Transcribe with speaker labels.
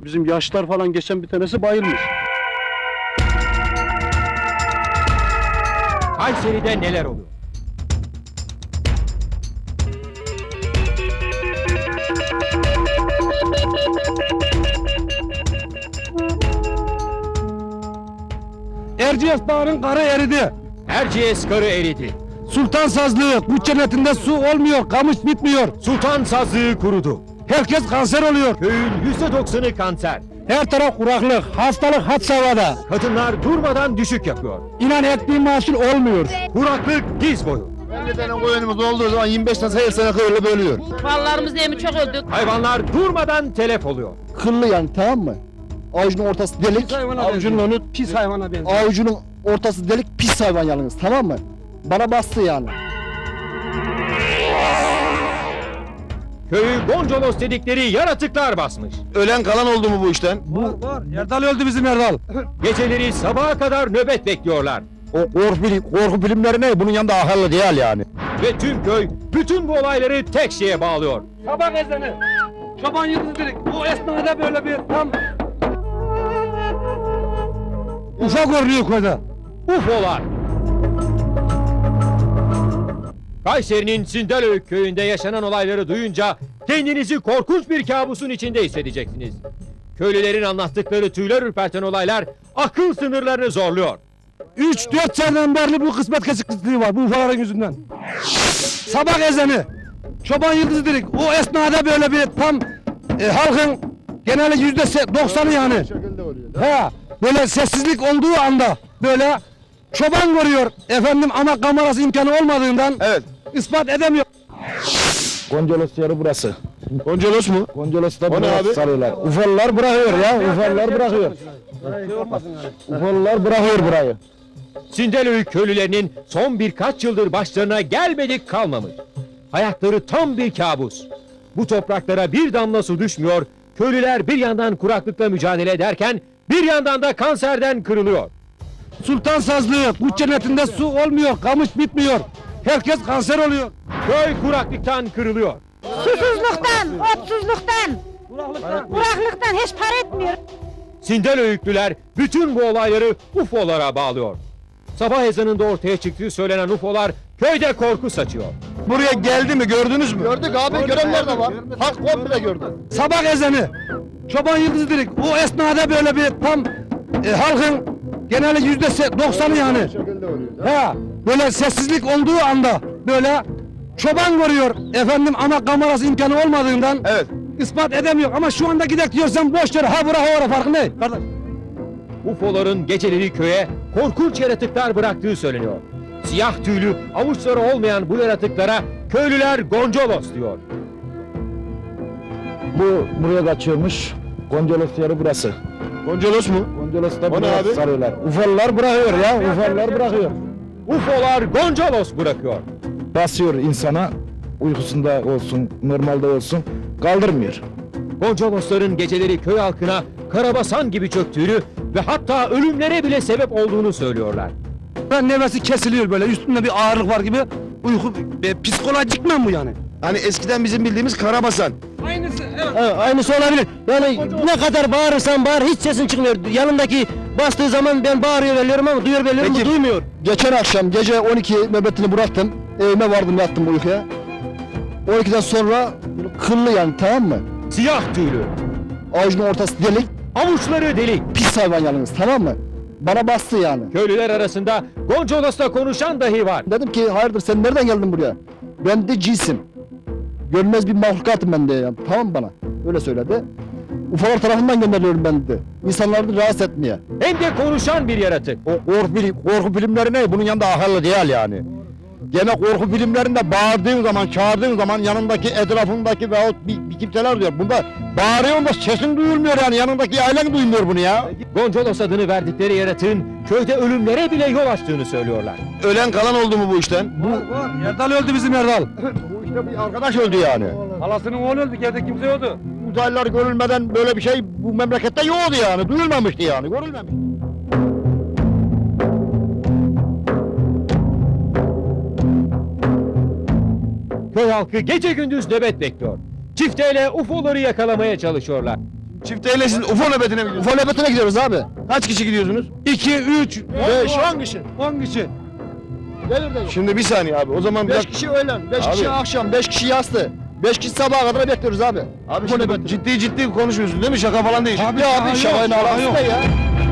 Speaker 1: Bizim yaşlar falan geçen bir tanesi bayılmış.
Speaker 2: Kayseri'de neler oluyor?
Speaker 3: Erciyes Dağı'nın karı eridi.
Speaker 2: Erciyes karı eridi.
Speaker 3: Sultan Sazlığı, bu cennetinde su olmuyor, kamış bitmiyor.
Speaker 2: Sultan sazlığı kurudu.
Speaker 3: Herkes kanser oluyor.
Speaker 2: Köyün %90'ı kanser.
Speaker 3: Her taraf kuraklık, hastalık had safhada.
Speaker 2: Kadınlar durmadan düşük yapıyor.
Speaker 3: İnan ettiğim mahsul olmuyor.
Speaker 2: Kuraklık diz boyu.
Speaker 4: 50 tane koyunumuz olduğu zaman 25 tane her sene kıyırlı bölüyor.
Speaker 5: Mallarımız değil mi çok öldük.
Speaker 2: Hayvanlar durmadan telef oluyor.
Speaker 4: Kıllı yani, tamam mı? Avucunun ortası delik, avucunun önü
Speaker 3: pis hayvana benziyor.
Speaker 4: avucunun ortası delik, pis hayvan yalnız, tamam mı? Bana bastı yani.
Speaker 2: Köyü Goncolos dedikleri yaratıklar basmış.
Speaker 4: Ölen kalan oldu mu bu işten?
Speaker 3: Var. Erdal öldü bizim Erdal.
Speaker 2: Geceleri sabaha kadar nöbet bekliyorlar.
Speaker 4: O korku filmleri ne? Bunun yanında akıllı değil yani.
Speaker 2: Ve tüm köy bütün bu olayları tek şeye bağlıyor.
Speaker 3: Sabah ezanı. Çoban yıldızı dedik. O esnada böyle bir tam... Ufak görünüyor köyde.
Speaker 2: UFO'lar. Kayseri'nin Sindelöy köyünde yaşanan olayları duyunca kendinizi korkunç bir kabusun içinde hissedeceksiniz. Köylülerin anlattıkları tüyler ürperten olaylar akıl sınırlarını zorluyor.
Speaker 3: 3-4 seneden beri bu kısmet kesikliği var bu ufaların yüzünden. Sabah ezanı. Çoban yıldızı dedik. O esnada böyle bir tam halkın genelde %90'ı yani. He, böyle sessizlik olduğu anda böyle çoban görüyor efendim ama kamerası imkanı olmadığından
Speaker 4: Evet.
Speaker 3: ispat edemiyor.
Speaker 4: Goncolos yarı burası.
Speaker 1: Goncolos mu?
Speaker 4: Goncolos da
Speaker 1: O ne abi?
Speaker 4: sarıyorlar. Ufalılar bırakıyor ya, ufalılar bırakıyor. Ufalılar bırakıyor burayı.
Speaker 2: Sindelöy köylülerinin son birkaç yıldır başlarına gelmedik kalmamış. Hayatları tam bir kabus. Bu topraklara bir damla su düşmüyor, köylüler bir yandan kuraklıkla mücadele ederken bir yandan da kanserden kırılıyor.
Speaker 3: Sultan Sazlığı, bu cennetinde su olmuyor, kamış bitmiyor. Herkes kanser oluyor.
Speaker 2: Köy kuraklıktan kırılıyor.
Speaker 5: Susuzluktan, otsuzluktan, kuraklıktan hiç para etmiyor.
Speaker 2: Sindelöylüler bütün bu olayları UFO'lara bağlıyor. Sabah ezanında ortaya çıktığı söylenen UFO'lar köyde korku saçıyor.
Speaker 4: Buraya geldi mi, gördünüz mü? Gördük abi, görenler de var. Halk komple gördü.
Speaker 3: Sabah ezanı. Çoban yıldızı dedik. O esnada böyle bir tam halkın genelde %90'ı yani. He, böyle sessizlik olduğu anda böyle çoban görüyor efendim ama kamerası imkanı olmadığından
Speaker 4: Evet.
Speaker 3: ispat edemiyor. Ama şu anda gidek diyorsan boş ver. Ha bura ha ora farkı ne? Kardeş.
Speaker 2: UFO'ların geceleri köye korkunç yaratıklar bıraktığı söyleniyor. Siyah tüylü, avuçları olmayan bu yaratıklara köylüler Goncolos diyor.
Speaker 4: Bu buraya kaçıyormuş. Goncolos yarı burası.
Speaker 1: Goncolos mu?
Speaker 4: Goncolos da
Speaker 1: O ne
Speaker 4: buraya
Speaker 1: abi?
Speaker 4: sarıyorlar. Ufalılar bırakıyor ya, ufalılar bırakıyor.
Speaker 2: UFO'lar Goncolos bırakıyor.
Speaker 4: Basıyor insana, uykusunda olsun, normalde olsun, kaldırmıyor.
Speaker 2: Goncolosların geceleri köy halkına karabasan gibi çöktüğünü ve hatta ölümlere bile sebep olduğunu söylüyorlar.
Speaker 3: Ben nefesi kesiliyor böyle üstünde bir ağırlık var gibi uyku psikolojik mi bu yani?
Speaker 4: Hani eskiden bizim bildiğimiz karabasan.
Speaker 3: Aynısı evet.
Speaker 6: Evet, aynısı olabilir. Yani ne kadar bağırırsan bağır hiç sesin çıkmıyor. Yanındaki bastığı zaman ben bağırıyor veriyorum ama duyuyor veriyorum
Speaker 4: Peki.
Speaker 6: bu duymuyor.
Speaker 4: Geçen akşam gece 12 nöbetini bıraktım. Evime vardım, yattım uykuya. 12'den sonra kıllı yani, tamam mı?
Speaker 2: Siyah tüylü,
Speaker 4: Avucunun ortası delik,
Speaker 2: avuçları delik.
Speaker 4: pis hayvan yalnız, tamam mı? Bana bastı yani.
Speaker 2: Köylüler arasında Goncolos'la konuşan dahi var.
Speaker 4: Dedim ki hayırdır, sen nereden geldin buraya? Ben de cinsim. Görmez bir mahlukatım ben de yani, tamam mı bana? Öyle söyledi. Ufalar tarafından gönderiliyorum ben dedi. İnsanları rahatsız etmeye.
Speaker 2: Hem de konuşan bir yaratık.
Speaker 4: O korku filmleri ne? Bunun yanında akıllı değil yani. Gene korku filmlerinde bağırdığın zaman, çağırdığın zaman yanındaki, etrafındaki veyahut bir kimseler diyor. Bunda bağırıyorsun da sesin duyulmuyor yani, yanındaki ailen duymuyor bunu ya.
Speaker 2: Goncolos adını verdikleri yaratığın köyde ölümlere bile yol açtığını söylüyorlar.
Speaker 4: Ölen kalan oldu mu bu işten?
Speaker 3: Var. Erdal öldü bizim Erdal.
Speaker 4: Bu işte bir arkadaş öldü yani.
Speaker 3: Halasının oğlu öldü. Evde kimse yoktu.
Speaker 4: Uzaylılar görülmeden böyle bir şey bu memlekette yoktu yani, duyulmamıştı yani, görülmemişti.
Speaker 2: Köy halkı gece gündüz nöbet bekliyor. Çifteyle UFO'ları yakalamaya çalışıyorlar.
Speaker 1: Çifteyle siz UFO nöbetine mi gidiyorsunuz?
Speaker 4: UFO nöbetine gidiyoruz abi.
Speaker 1: Kaç kişi gidiyorsunuz?
Speaker 3: 2, 3,
Speaker 4: 5, 10 kişi.
Speaker 3: 10 kişi.
Speaker 4: Devir devir.
Speaker 1: Şimdi bir saniye abi. O zaman
Speaker 4: 5 kişi öğlen, 5
Speaker 1: Abi.
Speaker 4: kişi akşam, 5 kişi yastı. 5 kişi sabaha kadar bekliyoruz abi.
Speaker 1: Abi
Speaker 4: UFO
Speaker 1: şimdi
Speaker 4: nöbetine.
Speaker 1: ciddi konuşmuyorsun değil mi? Şaka falan değil.
Speaker 3: Abi,
Speaker 4: Ya abi
Speaker 3: şaka
Speaker 4: şakayın
Speaker 3: yok, şaka
Speaker 4: alakası
Speaker 3: yok.
Speaker 4: ne ya?